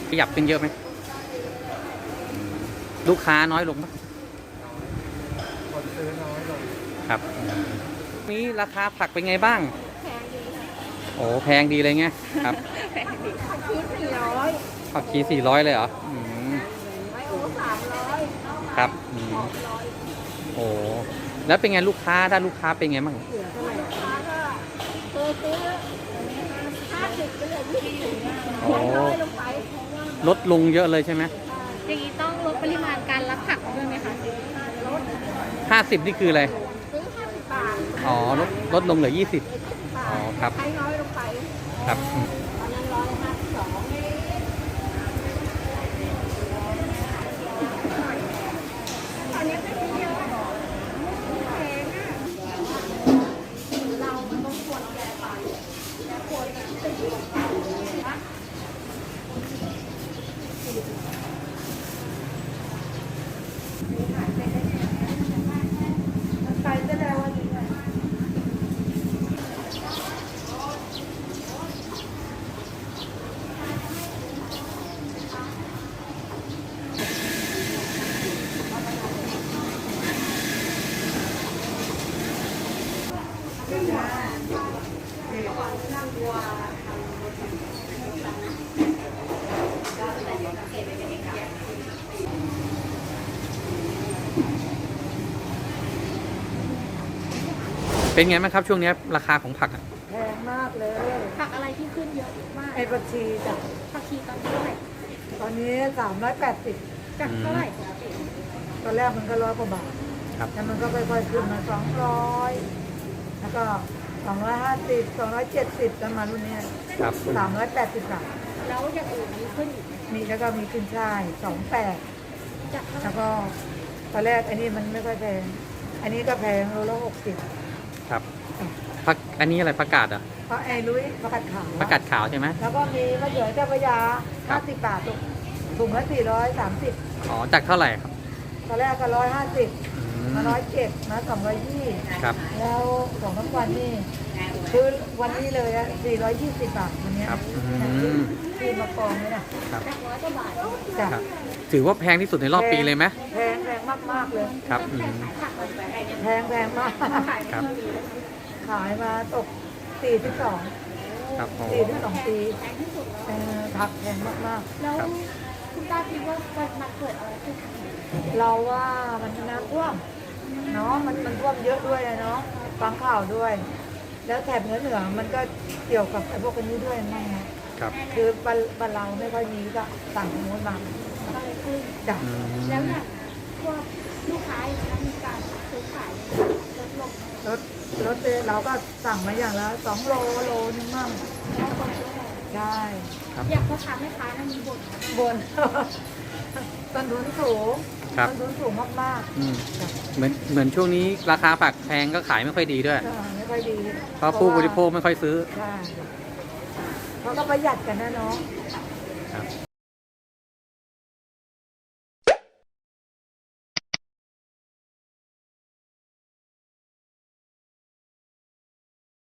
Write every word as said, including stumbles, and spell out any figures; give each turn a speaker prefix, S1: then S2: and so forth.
S1: ขยับขึ้นเยอะไหมลูกค้าน้อยลงปะ
S2: คนซื้อน้อยลง
S1: ครับนี้ราคาผักเป็นไงบ้าง
S3: แพงดีค่ะ
S1: โอ้แพงดีเลยไงครับ
S3: แพงดีผักชีสี่ร้อย
S1: ผักชีสี่ร้อยเลยเหรออืม
S3: ไม้โอ้สามร้อย
S1: ครับอืมโอ้แล้วเป็นไงลูกค้าถ้าลูกค้าเป็นไงบ้าง
S3: เหลือเท่าไหร่ลูกค้าก็เคยซื้อห้าสิบก็เหลือยี่สิบน้อยลงไป
S1: ลดลงเยอะเลยใช่ไหม
S3: อย่างนี้ต้องลดปริมาณการรับผักด้วยไหมคะลด
S1: ห้าสิบนี่คืออะไร
S3: ซื้อห้าสิบบาท
S1: อ๋อลดลดลงเหลือยี่สิบอ๋อครับ
S3: ใช้น้อยลงไป
S1: ครับ
S3: ตอนนั้นร้อยห้าสิบสองอันนี้ไม่ได้เยอะแพงอ่ะเรามันต้องควรแก้ไปแต่ควรจะอยู่กับเรานะไปจะได้วันนี้
S1: เป็นไงบ้างครับช่วงนี้ราคาของผัก
S2: แพงมากเลย
S3: ผักอะไรที่ขึ้นเยอะมาก
S2: ไอ้ผักชีจ้ะ
S3: ผักชีตอนนี้เท่าไหร่
S2: ตอนนี้สามร้อยแปดสิบ
S3: จากเท่าไหร่
S2: ตอนแรกมันก็ร้อยกว่าบาทแล้วมันก็ค่อยๆขึ้นมาสองร้อยแล้วก็สองร้อยห้าสิบสองร้อยเจ็ดสิบกันมารุ่นนี้สามร้อยแปดสิบบาท
S3: แล้วอย่างอื่นมีขึ้นอีกไหม
S2: มีแล้วก็มีขึ้นช่ายสองแปด
S3: จากเท่าไหร่
S2: แล้วก็ตอนแรกอันนี้มันไม่ค่อยแพงอันนี้ก็แพงโลละหกสิบ
S1: ครับผักอันนี้อะไรผักกาดอ่ะ
S2: เพราะไอ้ลุยผักกาดขาว
S1: ผักกาดขาวใช่ไหม
S2: แล้วก็มีมะเขือเจ้าพระยาห้าสิบบาทถุงละสี่ร้อยสามสิบ
S1: อ๋อจากเท่าไหร่ครับ
S2: ตอนแรกก็ร้อยห้าสิบมาร้อยเจ็ดมาสองร้อยยี่
S1: ครับ
S2: แล้วของทั้งวันนี่คือวันนี้เลยอะสี่ร้อยยี่สิบบาทวันนี้
S1: ครับ
S2: คือมากองเลยนะครับ
S3: ร้อยกว่าบาท
S2: จ้ะ
S1: ถือว่าแพงที่สุดในรอบปีเลยไหม
S2: แพงแพงมากมากเลย
S1: ครับ
S2: แพงแพงมาก
S1: ครับ
S2: ขายมาตกสี่สิบสอง
S1: ครับ
S2: สี่สิบสองปีผักแพงมากมาก
S3: แล้วคุณตาคิดว่ามันเกิดอะไรขึ้น
S2: เราว่ามันน้ำท่วมเนาะมันมันท่วมเยอะด้วยเนาะฟังข่าวด้วยแล้วแถบเหนือเหนือมันก็เกี่ยวกับไอ้พวกนี้ด้วยนั่นนะครับคือบ้านบ้านเราไม่ค่อยมีก็สั่งโน้นมา
S3: ก็เลยขึ้น
S2: จ้ะ
S3: แล้วเนี่ยพวกลูกค้าอย่างมีการซื้อขายลดลง
S2: รถรถเราก็สั่งมาอย่างละสองโลโลนึงมั่งใช่
S3: อยากพ่อค้าแม่ค้านั่นมีบ่น
S2: บ่นต้นทุนสูงต้นทุนสูงมาก
S1: ๆเหมือนเหมือนช่วงนี้ราคาผักแพงก็ขายไม่ค่อยดีด้วย
S2: ไม่ค่อยดี
S1: เพราะผู้บริโภคไม่ค่อยซื้อ
S2: ใช่เพราะก็ประหยัดกันนะเนาะ